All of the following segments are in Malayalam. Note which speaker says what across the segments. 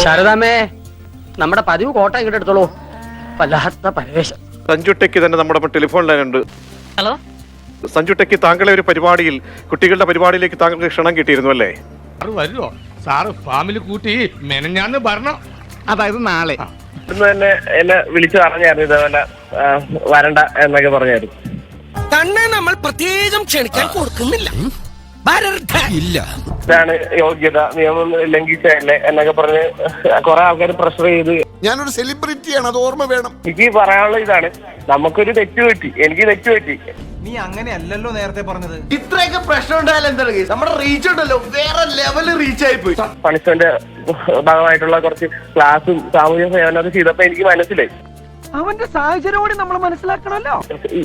Speaker 1: ശാരദാമ്മേ, നമ്മുടെ പതിവ് കോട്ട ഇങ്ങോട്ട് എടുത്തോളൂ. വല്ലാത്ത പരവേശം.
Speaker 2: സഞ്ജു ടെക്കി തന്നെ നമ്മുടെ ടെലിഫോൺ ലൈനുണ്ട്.
Speaker 1: ഹലോ
Speaker 2: സഞ്ജു ടെക്കി, താങ്കളെ ഒരു പരിപാടിയിൽ, കുട്ടികളുടെ പരിപാടിയിലേക്ക് താങ്കൾക്ക് ക്ഷണം കിട്ടിയിരുന്നു അല്ലേ?
Speaker 3: വരുമോ സാറ് ഫാമിലി കൂട്ടി മെനഞ്ഞാന്ന് ഭരണം,
Speaker 4: അതായത് നാളെ
Speaker 5: ഇന്ന് തന്നെ എന്നെ വിളിച്ചു പറഞ്ഞായിരുന്നു ഇതേപോലെ വരണ്ട എന്നൊക്കെ പറഞ്ഞായിരുന്നു.
Speaker 6: തന്നെ നമ്മൾ പ്രത്യേകം ക്ഷണിക്കാൻ കൊടുക്കുന്നില്ല. ഇല്ല,
Speaker 5: ഇതാണ് യോഗ്യത, നിയമം ലംഘിച്ചതല്ലേ എന്നൊക്കെ പറഞ്ഞ് കുറെ ആൾക്കാർ പ്രഷർ ചെയ്ത്.
Speaker 4: ഞാനൊരു സെലിബ്രിറ്റിയാണ്, അത് ഓർമ്മ വേണം.
Speaker 5: എനിക്ക് പറയാനുള്ള ഇതാണ്, നമുക്കൊരു തെറ്റ് പറ്റി, എനിക്ക് തെറ്റ് പറ്റി.
Speaker 7: നീ അങ്ങനെയല്ലല്ലോ നേരത്തെ പറഞ്ഞത്.
Speaker 4: ഇത്രയൊക്കെ പ്രശ്നം ഉണ്ടായാലും എന്താ, നമ്മുടെ റീച്ച് ഉണ്ടല്ലോ വേറെ ലെവല് റീച്ച് ആയി പോയി.
Speaker 5: പണിഷ്മെന്റ് ഭാഗമായിട്ടുള്ള കുറച്ച് ക്ലാസും സാമൂഹ്യ സേവനമൊക്കെ ചെയ്തപ്പോ എനിക്ക് മനസ്സിലായി
Speaker 7: അവന്റെ സാഹചര്യം കൂടി നമ്മൾ മനസ്സിലാക്കണമല്ലോ.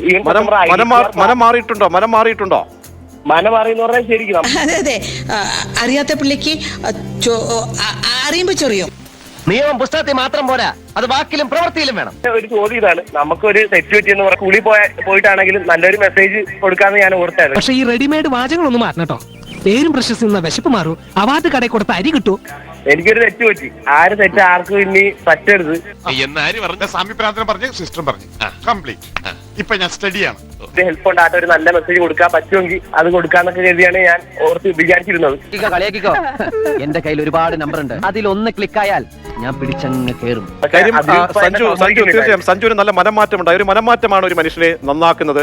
Speaker 2: മനം മാറിയിട്ടുണ്ടോ?
Speaker 5: മനം മാറി എന്ന് പറഞ്ഞാൽ ശരിക്കും
Speaker 6: അതെ, അറിയാത്ത പിള്ളിക്ക് അറിയുമ്പോ ചെറിയും.
Speaker 1: നിയമം പുസ്തകത്തിൽ മാത്രം പോരാ, അത് വാക്കിലും പ്രവൃത്തിയിലും വേണം.
Speaker 5: ഒരു ചോദ്യം ഇതാണ്, നമുക്കൊരു തെറ്റ് പറ്റി എന്ന് പറഞ്ഞാൽ സ്കൂളിൽ പോയിട്ടാണെങ്കിലും നല്ലൊരു മെസ്സേജ് കൊടുക്കാന്ന് ഞാൻ ഓർത്തായിരുന്നു.
Speaker 8: പക്ഷെ ഈ റെഡിമെയ്ഡ് വാചകങ്ങളൊന്നും മാറ്റണം കേട്ടോ. പേരും പ്രശസ്തി നിന്ന വിശപ്പ് മാറൂ. അവാർഡ് കടയിൽ കൊടുത്ത അരി കിട്ടൂ.
Speaker 5: എനിക്കൊരു തെറ്റ് പറ്റി, ആര് തെറ്റ് ആർക്കും ഇനി പറ്റരുത്
Speaker 3: എന്നാര് പറഞ്ഞ സാമ്യപ്രാന്തനം പറഞ്ഞ് സിസ്റ്റം പറഞ്ഞു കംപ്ലീറ്റ്. ഇപ്പൊ ഞാൻ സ്റ്റഡിയാണ്.
Speaker 5: ഹെൽപ്പ് ഉണ്ടായിട്ട് ഒരു നല്ല മെസ്സേജ് കൊടുക്കാൻ പറ്റുമെങ്കിൽ അത് കൊടുക്കാന്നൊക്കെ കരുതിയാണ് ഞാൻ ഓർത്ത് വിചാരിച്ചിരുന്നത്.
Speaker 1: കളിയാക്കിക്കോ, എന്റെ കയ്യിൽ ഒരുപാട് നമ്പർ ഉണ്ട്, അതിലൊന്ന് ക്ലിക്കായാൽ ഞാൻ പിടിച്ചങ്ങ് കേറും.
Speaker 2: കാര്യം സഞ്ജു തീർച്ചയായും സഞ്ജുവിന് നല്ല മനംമാറ്റം ഉണ്ടായി. ഒരു മനംമാറ്റമാണ് ഒരു മനുഷ്യനെ നന്നാക്കുന്നത്.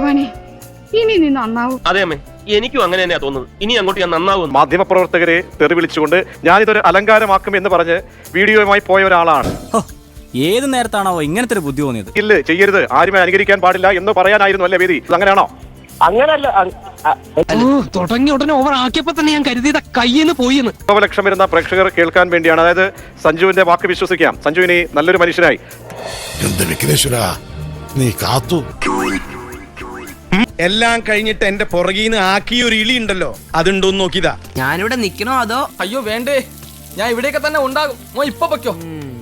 Speaker 9: ഇനി നീ നന്നാവും.
Speaker 10: അതെ അമ്മേ, എനിക്കും അങ്ങനെ തന്നെയാ തോന്നുന്നത്. ഇനി അങ്ങോട്ട് ഞാൻ നന്നാവും.
Speaker 2: മാധ്യമപ്രവർത്തകരെ തെറി വിളിച്ചുകൊണ്ട് ഞാനിതൊരു അലങ്കാരമാക്കും എന്ന് പറഞ്ഞ് വീഡിയോയുമായി പോയ ഒരാളാണ്.
Speaker 11: ഏത് നേരത്താണോ ഇങ്ങനത്തെ ഒരു ബുദ്ധി തോന്നിയത്?
Speaker 2: ഇല്ല, ചെയ്യരുത്, ആരും അനുകരിക്കാൻ പാടില്ല എന്ന് പറയാനായിരുന്നു അല്ലേ വേദി? അങ്ങനെയാണോ?
Speaker 5: അങ്ങനല്ല,
Speaker 8: തുടങ്ങിയ ഉടനെ ഓവർ ആക്കിയപ്പോ തന്നെ ഞാൻ കരുതിയത് കയ്യിന്ന് പോയിന്ന്.
Speaker 2: 100 ലക്ഷം വരുന്ന പ്രേക്ഷകർ കേൾക്കാൻ വേണ്ടിയാണ്. അതായത് സഞ്ജുവിന്റെ വാക്ക് വിശ്വസിക്കാം. സഞ്ജു ഇനി നല്ലൊരു മനുഷ്യനായി.
Speaker 4: നീ കാത്തു.
Speaker 7: എല്ലാം കഴിഞ്ഞിട്ട് എന്റെ പുറകീന്ന് ആക്കിയ ഒരു ഇളി ഉണ്ടല്ലോ, അതുണ്ടോന്ന് നോക്കിയതാ.
Speaker 6: ഞാനിവിടെ നിക്കണോ അതോ?
Speaker 11: അയ്യോ വേണ്ടേ, ഞാൻ ഇവിടെയൊക്കെ തന്നെ ഉണ്ടാകും. ഇപ്പൊ പൊയ്ക്കോ.